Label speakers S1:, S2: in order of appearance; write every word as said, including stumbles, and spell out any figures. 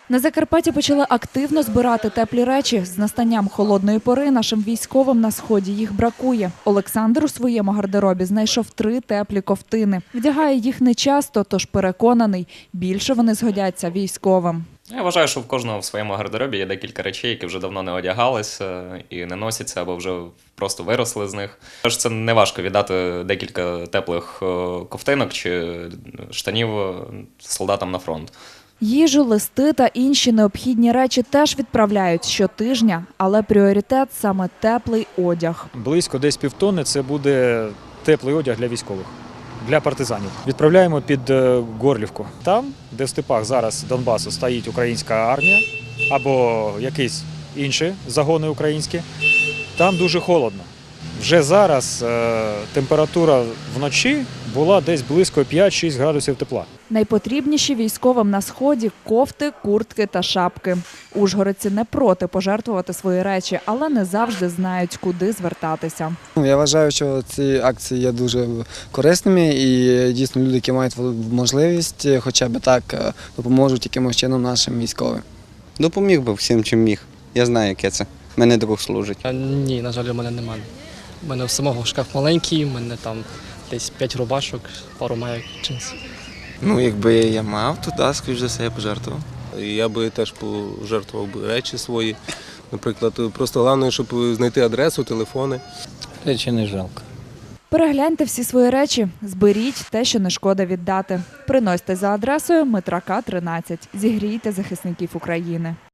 S1: На Закарпатті почали активно збирати теплі речі. З настанням холодної пори нашим військовим на сході їх бракує. Олександр у своєму гардеробі знайшов три теплі ковтини. Вдягає їх нечасто, тож переконаний, більше вони згодяться військовим.
S2: Я вважаю, що в кожного в своєму гардеробі є декілька речей, які вже давно не одягалися і не носяться, або вже просто виросли з них. Тож це не важко віддати декілька теплих ковтинок чи штанів солдатам на фронт.
S1: Їжу, листи та інші необхідні речі теж відправляють щотижня, але пріоритет – саме теплий одяг.
S3: Близько десь півтонни – це буде теплий одяг для військових, для партизанів. Відправляємо під Горлівку. Там, де в степах зараз Донбасу стоїть українська армія або якісь інші загони українські, там дуже холодно. Вже зараз е, температура вночі була десь близько п'ять-шість градусів тепла.
S1: Найпотрібніші військовим на сході – кофти, куртки та шапки. Ужгородці не проти пожертвувати свої речі, але не завжди знають, куди звертатися.
S4: Я вважаю, що ці акції є дуже корисними і дійсно люди, які мають можливість хоча б так допоможуть якимось чином нашим військовим.
S5: Допоміг би всім, чим міг. Я знаю, яке це. Мене друг служить.
S6: А, ні, на жаль, у мене немає. У мене в самого шкаф маленький, у мене там десь п'ять рубашок, пару майок, джинсів.
S7: Ну, якби я мав, то да, скоріш за все, я пожертвував.
S8: Я би теж пожертвував би речі свої. Наприклад, просто головне, щоб знайти адресу, телефони.
S9: Речі не жалко.
S1: Перегляньте всі свої речі, зберіть те, що не шкода віддати. Приносьте за адресою Митрака, тринадцять. Зігрійте захисників України.